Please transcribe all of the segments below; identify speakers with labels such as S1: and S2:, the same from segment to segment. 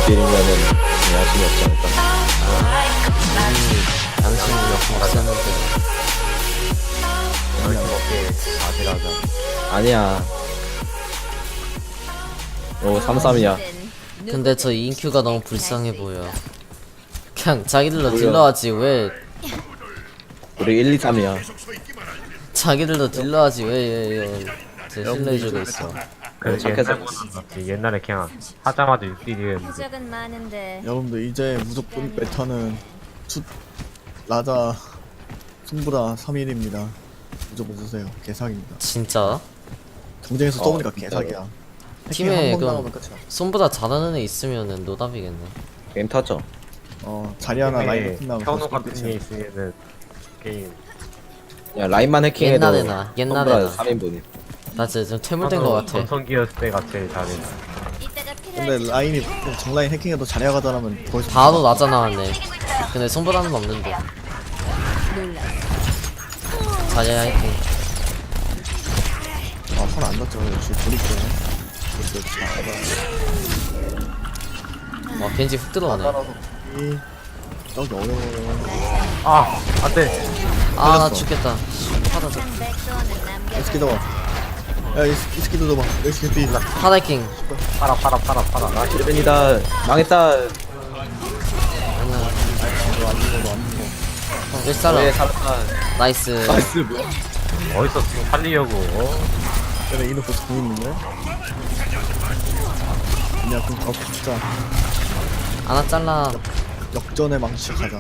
S1: 비리면은 양심이 없지 않을까.
S2: 양심이 없었는데
S3: 이렇게 아찔하자.
S1: 아니야. 오 33이야.
S2: 근데 저 인큐가 너무 불쌍해 보여. 그냥 자기들도
S1: 뭐야?
S2: 딜러하지 왜
S1: 우리 1, 2, 3이야.
S2: 자기들도 딜러하지 왜 제 신뢰해주고 있어.
S3: 그
S1: 착해서.
S3: 옛날에 그냥 하자마자 6딜이었는데
S4: 적은 많은데
S5: 여러분들 이제 무조건 메타는 라자 승부라 3일입니다. 무조건 쓰세요. 개사기입니다.
S2: 진짜?
S5: 경쟁에서 써보니까
S1: 진짜로.
S5: 개사기야.
S2: 팀에
S5: 한번
S2: 그
S5: 나가면 끝이야.
S2: 손보다 잘하는 애 있으면은 노답이겠네.
S1: 게임 타죠.
S5: 자리 하나 라인
S3: 게임에
S5: 같은 나면
S3: 현우 같은 게 있으면은 게임
S1: 야 라인만 해킹해도
S2: 옛날에나, 옛날에나.
S1: 3인분이.
S2: 나 진짜 좀 퇴물된 거 같아.
S3: 전성기였을 때가 제일 잘해.
S4: 이따가 필요할
S5: 근데 라인이 정라인 해킹해도 자리야 가자라면 거기서
S2: 바로 나자 나왔네. 근데 손보다는 없는데. 자리야 해킹.
S5: 손안 넣죠. 역시 조립돼.
S2: 와 겐지 훅 들어오네.
S5: 따라서 저기 어려워요.
S3: 아 안돼.
S2: 아 나
S5: 걸렸어.
S2: 죽겠다. 하다 저
S4: 백도는 남겨.
S5: 이 스키 잡아. 야, 이 스키도 잡아. 이 스키
S2: 하다 해킹.
S3: 팔아. 나
S1: 힐벤이다. 망했다.
S2: 몇 살아?
S1: 왜 살았다.
S2: 나이스.
S1: 나이스 뭐야?
S3: 어디서 지금 살리려고?
S5: 얘네 이노 벌써 공 있는데? 그냥 그럼 더 붙자.
S2: 하나 잘라.
S5: 역전의 망치 가자.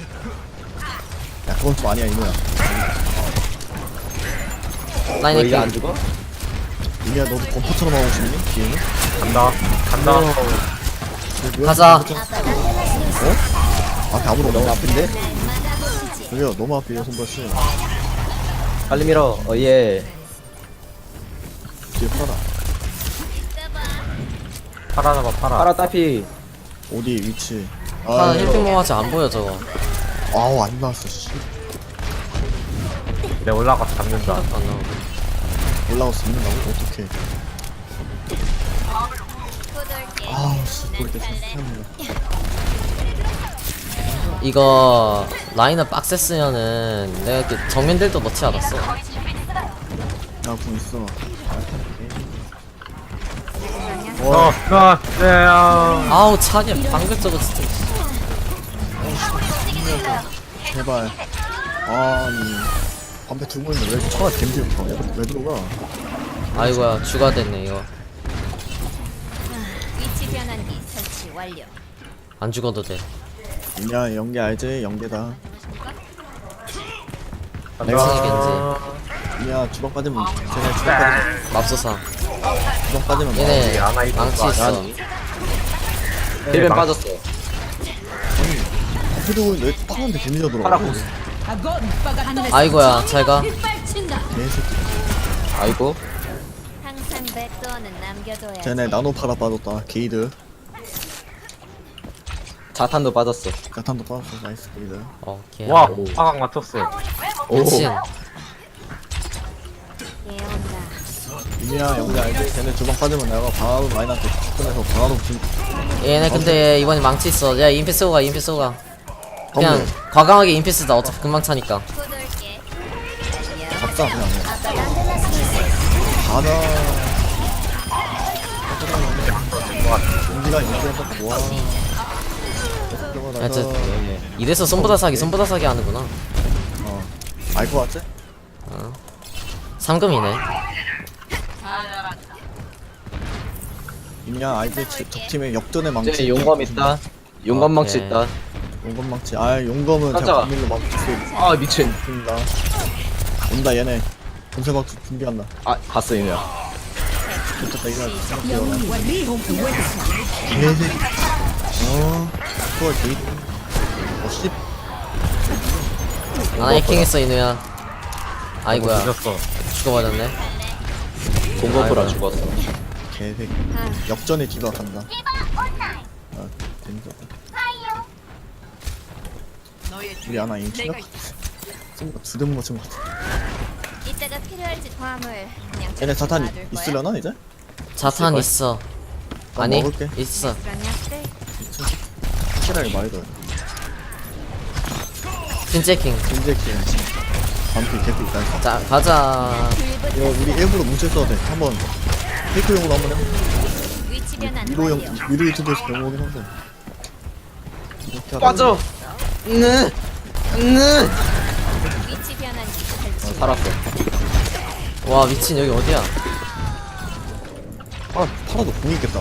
S5: 야, 그건 좀 아니야, 이노야.
S2: 라인
S1: 너 이제 안
S2: 해킹.
S1: 죽어?
S5: 이노야, 너도 범퍼처럼 하고 싶니? 뒤에는?
S3: 간다.
S2: 가자.
S5: 앞에 아무도
S1: 너무
S5: 없네.
S1: 아픈데?
S5: 저기요, 너무 앞이에요, 손버씨.
S1: 빨리 밀어. 예.
S5: 뒤에 팔아.
S3: 팔아 잡아 팔아.
S1: 파라 따피.
S5: 어디 위치?
S2: 하나
S5: 이거.
S2: 힐핑 모아지 안 보여 저거.
S5: 아우, 안 나왔어, 씨.
S3: 내 올라가서 잡는다.
S2: 안 나오고.
S5: 올라가서 있는다고? 어떡해.
S4: 꼬돌게.
S5: 아우, 씨, 돌 때 생각합니다.
S2: 이거 라인을 빡셌으면은 내가 이렇게 정면들도 넣지 않았어.
S5: 야, 공 있어.
S3: 네.
S2: 아우 차게 방금 저거 진짜.
S5: 제발. 아니. 반패 두고 있는데 왜 처가 겜지 없어? 왜 들어가?
S2: 아이고야 주가 됐네 이거.
S4: 위치 변환기 설치 완료.
S2: 안 죽어도 돼.
S5: 이냐, 연계 알지? 연계다.
S2: 맹승이 겐지.
S5: 이냐, 주먹 빠지면, 쟤네 주먹 빠지면,
S2: 맙소사.
S5: 주먹 빠지면
S2: 얘네
S3: 아, 하나 있는
S2: 망치
S3: 거
S2: 있어.
S3: 아니야?
S1: 힐벤
S3: 망-
S1: 빠졌어.
S5: 해도 왜 빵한테 데미지가 들어가?
S1: 파라 고스.
S2: 아이고야 잘가.
S5: 개새끼.
S1: 아이고.
S4: 항상 백도는 남겨둬야.
S5: 쟤네 나노 파라 빠졌다. 게이드.
S1: 자탄도 빠졌어.
S5: 자탄도 빠졌어. 나이스 게이드.
S2: 오케이.
S3: 와 화강 맞췄어.
S2: 미친.
S4: 예온다.
S5: 이냐, 연계 알지? 쟤네 주먹 빠지면 내가 바로 라인한테 접근해서 바로 진.
S2: 얘네 근데 이번에 망치 있어. 야 인피 쓰고 가 인피 쓰고 가. 그냥 과감하게 인피 쓰다. 어차피 금방 차니까.
S4: 꼬돌게.
S5: 잡자, 그냥.
S4: 아까 난델라스
S5: 가자. 연기가 인기가 딱 좋아.
S2: 야, 이래서 손보다 사기 하는구나.
S5: 알 것 같지?
S2: 상금이네.
S5: 이냐, 알지? 적팀에 역전의 망치.
S1: 이제 용검 있다. 용검 망치
S2: 오케이.
S1: 있다.
S5: 용검 망치. 용검은
S1: 가자.
S5: 제가 비밀로 막을 수
S1: 아 미친.
S5: 있습니다. 온다, 얘네. 본세박 준비한다.
S1: 아 갔어 이면.
S5: 좋겠다, 이날 생각해요. 개새끼. 그걸 게이드. 씨.
S2: 하나 해킹했어 이누야. 아이고야
S3: 늦었어.
S2: 죽어버렸네.
S1: 공검보라
S2: 아이고.
S1: 죽었어.
S5: 개새끼. 역전의 뒤가 간다. 재밌었다. 우리 하나 인치가 두대 못 맞춘 것 같아.
S4: 이따가 필요할지 화물. 그냥
S5: 얘네 자탄
S4: 놔둘 거야?
S5: 있으려나 이제?
S2: 자탄 있어. 아니
S5: 먹을게.
S2: 있어.
S4: 그런 약들.
S5: 확실하게 말해줘요.
S2: 핀체킹.
S5: 겐제킹. 반피 개피 있다 했어.
S2: 자 가자.
S5: 이거 우리 일부러 뭉쳤어도 돼. 한번 테이크용으로 한번 해봐.
S4: 위치 변환
S5: 미로용
S4: 완료.
S5: 미로 유튜브에서 배워보긴 한데. 이렇게 하다가
S1: 빠져. 네.
S4: 위치 변환기 설치.
S1: 살았어.
S2: 와 미친 여기 어디야?
S5: 팔아도 공이 있겠다.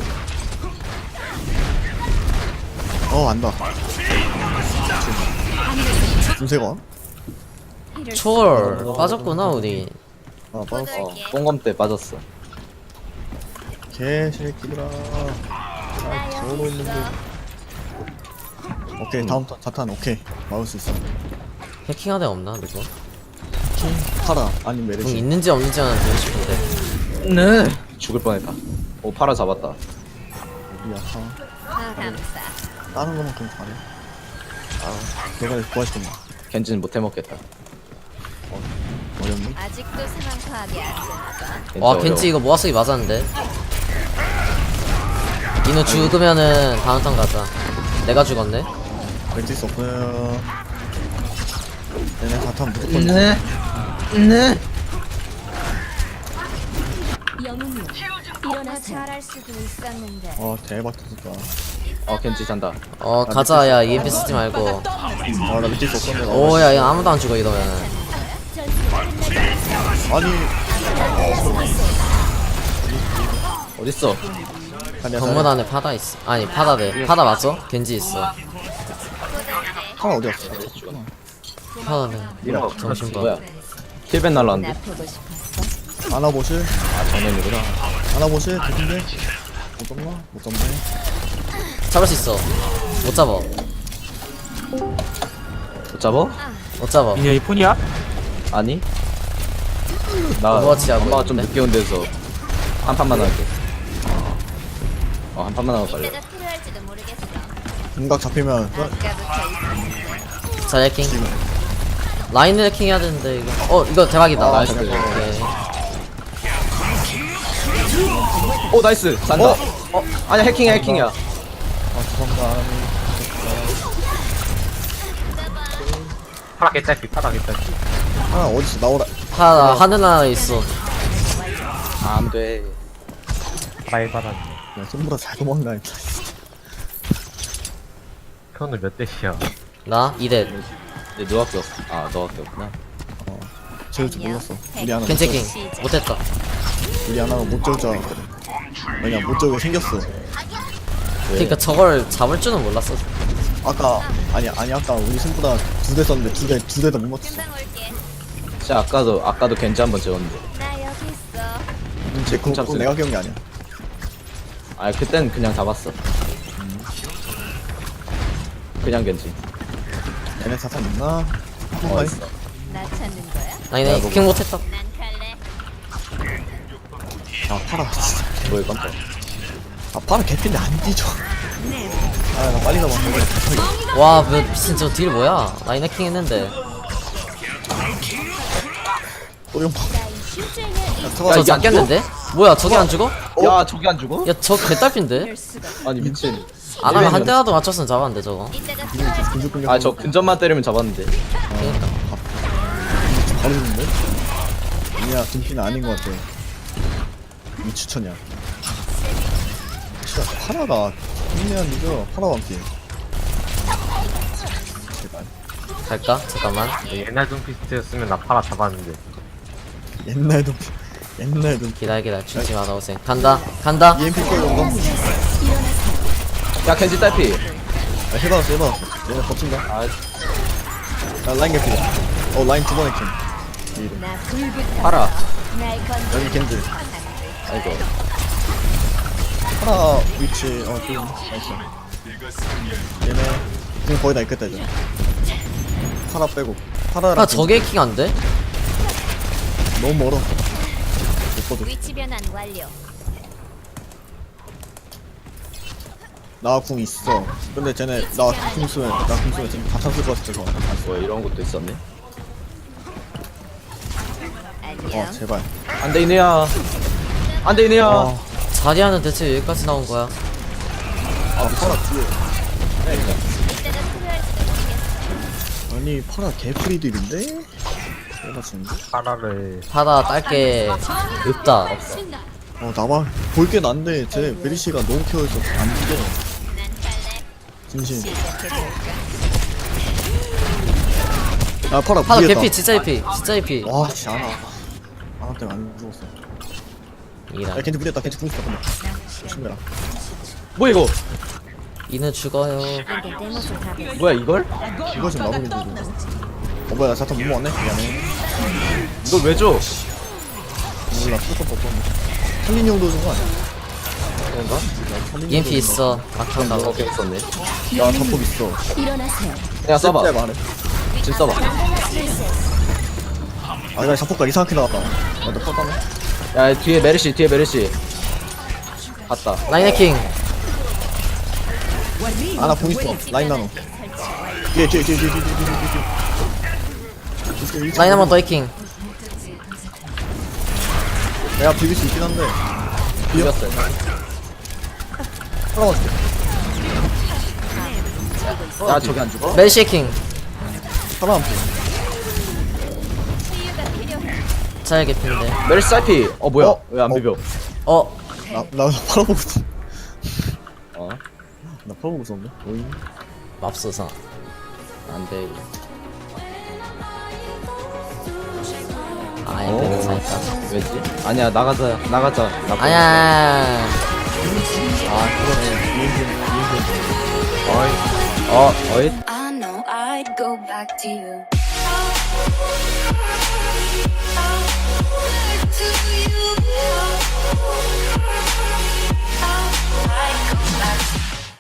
S5: 안다. 김세가?
S4: 이럴
S2: 초월 빠졌구나 우리.
S5: 빠졌어.
S1: 뽕검 때 빠졌어.
S5: 개새끼들아.
S4: 나
S5: 저러고
S4: 여기
S5: 있는데.
S4: 있어.
S5: 오케이, 다음 자탄, 오케이. 막을 수 있어.
S2: 해킹하는 애 없나 누구?
S5: 팔아, 아니면
S2: 궁
S5: 메르시.
S2: 있는지 없는지만 보고 싶은데.
S1: 네. 죽을 뻔했다. 오 파라 잡았다.
S5: 우리 아파.
S4: 감사.
S5: 다른 거만큼 잘해. 내가 구하시겠나.
S1: 겐지는 못 해먹겠다.
S5: 어렵니?
S4: 아직도 상황 파악이 안 되나 봐.
S2: 와
S1: 어려워.
S2: 겐지 이거 모아쓰기 맞았는데. 이노 죽으면은 다음 턴 가자. 내가 죽었네.
S5: 왠지 수 없어요. 얘네 자탄 무조건.
S1: 네.
S4: 영웅이요. 일어나 잘할 수도 있었는데.
S5: 대박 터졌다.
S1: 겐지 잔다.
S2: 가자 야 EMP 쓰지 말고.
S5: 나 믿을 수 없었는데.
S2: 오야 야 아무도 안 죽어 이러면.
S5: 아니,
S1: 어딨어?
S2: 건물 안에 파다 있어. 아니 파다래. 파다 맞어? 겐지 있어.
S5: 하나 어디 갔어?
S2: 파다래.
S1: 이거
S2: 정신 봐.
S1: 뭐야? 킬벤 날라왔는데?
S4: 보고 싶었어.
S5: 아나보실?
S1: 아 정면이구나.
S5: 아나보실? 대신데? 못 잡나? 못 잡네.
S2: 잡을 수 있어. 못 잡아.
S1: 못 잡어?
S2: 못 잡아.
S3: 이게 이폰이야?
S1: 아니? 나
S2: 오버워치 하고
S1: 엄마가 좀
S2: 있는데?
S1: 늦게 온 데서 한 판만 할게. 한 판만 하고 빨리.
S4: 이때가 필요할지도 모르겠어.
S5: 공각 잡히면
S4: 아까부터 있었는데.
S2: 자 해킹. 라인 해킹 해야 되는데 이거. 이거 대박이다.
S1: 나이스.
S2: 오케이.
S1: 오 나이스 잔다. 아니야 해킹이야.
S5: 죄송합니다.
S3: 파라 개짜기 파라 개짜기.
S5: 하나 어디서 나오라.
S2: 파다 하늘 하나 있어.
S1: 안 돼.
S3: 파라에 파라.
S5: 야, 손보다 잘 도망가. 했다.
S3: 현우 몇 대시야?
S2: 나 2대.
S1: 내 너밖에 없어. 너밖에 없구나.
S5: 재울 줄 몰랐어. 우리 하나
S2: 겐
S5: 못
S2: 체킹.
S5: 재울-
S2: 못했다.
S5: 우리 하나가 못 재울 줄 알았거든. 왜냐, 못 재우게 생겼어.
S2: 그러니까 저걸 잡을 줄은 몰랐어.
S5: 아까 아까 우리 손보다 2대 썼는데 두 대 다 못 맞췄어.
S4: 금방 올게.
S1: 진짜 아까도 겐지 한번 재웠는데.
S4: 나 여기 있어.
S5: 제 그거
S1: 참쓰네.
S5: 내가 기억이 아니야.
S1: 그땐 그냥 잡았어. 그냥 겐지.
S5: 얘네 자탄 있나?
S1: 있어.
S4: 나 찾는 거야?
S2: 아니네 해킹 못했다.
S4: 난 갈래.
S5: 팔아 진짜.
S1: 뭐야 깜짝.
S5: 팔아 개핀데 안 뒤져. 나 빨리 가봐.
S2: 와 미친 저 딜 뭐야? 라인 해킹 했는데.
S5: 우리 형
S4: 나이 실증을
S2: 저
S1: 이게 안
S2: 잡겠는데? 뭐야 저게 안 죽어?
S1: 야 저기 안 죽어?
S2: 야 저 개딸핀데?
S4: 이럴 수가.
S1: 아니 미친.
S2: 안 하면 한 대라도 맞췄으면 잡았는데 저거.
S4: 이때가 필요할지.
S5: 근육근육.
S1: 저 근접만 때리면 잡았는데.
S2: 그러니까.
S5: 바로 죽는데? 아니야, 등피는 아닌 것 같아. 이 추천이야. 진짜 파라가 흥미한 이죠. 파라 왕피. 제발.
S2: 갈까? 잠깐만.
S3: 옛날 둠피스트였으면 나 파라 잡았는데.
S5: 옛날 좀
S2: 기다려 죽지 마 나오세요. 간다.
S5: EMP 꺼는 거?
S1: 야 겐지 딸피.
S5: 해봤어. 얘네 버틴다. 라인 개피다. 라인 두 번 해킹. 이래.
S4: 나 불붙어.
S1: 파라.
S4: 날 건드.
S5: 여기 겐지.
S1: 아이고.
S5: 파라 위치, 좀, 나이스. 얘네, 지금 거의 다 있겠다, 이제. 파라 빼고. 파라랑.
S2: 아 저게 해킹 안 돼?
S5: 너무 멀어. 못 보도.
S4: 위치 변환 완료.
S5: 나 궁 있어. 근데 쟤네, 나 궁 쓰면 쟤네 다 찼을 것 같아서.
S1: 뭐 이런 것도 있었네.
S4: 안녕.
S5: 제발.
S1: 안돼 이네야. 안돼 이네야.
S5: 아,
S2: 자리하는 대체 여기까지 나온 거야.
S5: 파라 뒤에.
S4: 이때가 필요할지도 모르겠어.
S5: 아니 파라 개프리딜인데? 내가 지금
S3: 파라를
S2: 파라 딸게 없다.
S5: 나만 볼게 난데 제 메리시가 너무 키워있어 안 죽여
S4: 난 갈래.
S5: 진심
S4: 시작해볼까?
S5: 아 파라
S2: 파라
S5: 부리했다
S2: 개피 진짜 개피 진짜 개피.
S5: 와 씨 아나 때문에 안 죽었어
S2: 이라.
S5: 야 겐지 부리했다 겐지 궁있다 근데 조심해라
S1: 뭐 이거?
S2: 이는 죽어요.
S4: 이게 내 모습 다 보여.
S1: 뭐야 이걸?
S5: 이거 지금 나무게 들고 뭐야 나 자탄 못 먹었네? 미안해
S1: 이걸 왜 줘?
S5: 몰라 수컷 없었네 살린 용도 준 거 아니야?
S1: 그런가?
S2: EMP 있어. 막상
S1: 나도
S2: 나가.
S1: 어깨 썼네.
S5: 야 자폭 있어
S4: 일어나세요.
S1: 그냥 써봐.
S5: 잽 안해
S1: 지금 써봐.
S5: 아나 자폭가 이상하게 나왔다 야너 퍼다네
S1: 야 뒤에 메르시 갔다.
S2: 라인 해킹.
S5: 아나 공 있어 라인 나노 뒤에
S2: 라인 한 번 더 해킹.
S5: 내가 비빌 수 있긴 한데
S1: 비겼어요.
S5: 살아가줄게
S1: 야 저기 안 죽어?
S2: 멜시 해킹.
S5: 살아남게
S4: 치유가 필요해.
S2: 잘 개피인데.
S1: 메르시 살피. 뭐야?
S5: 어?
S1: 왜 안 비벼?
S2: 어
S5: 나 팔아보고 있어
S1: 어?
S5: 나 팔아보고 있었는데 오잉
S2: 맙소사.
S1: 안돼.
S2: 아 엠베는 살까.
S1: 왜지? 아니야 나가자. 나
S2: 아니야.
S5: 아 그러네
S1: 어이.
S6: I know I'd go back to you.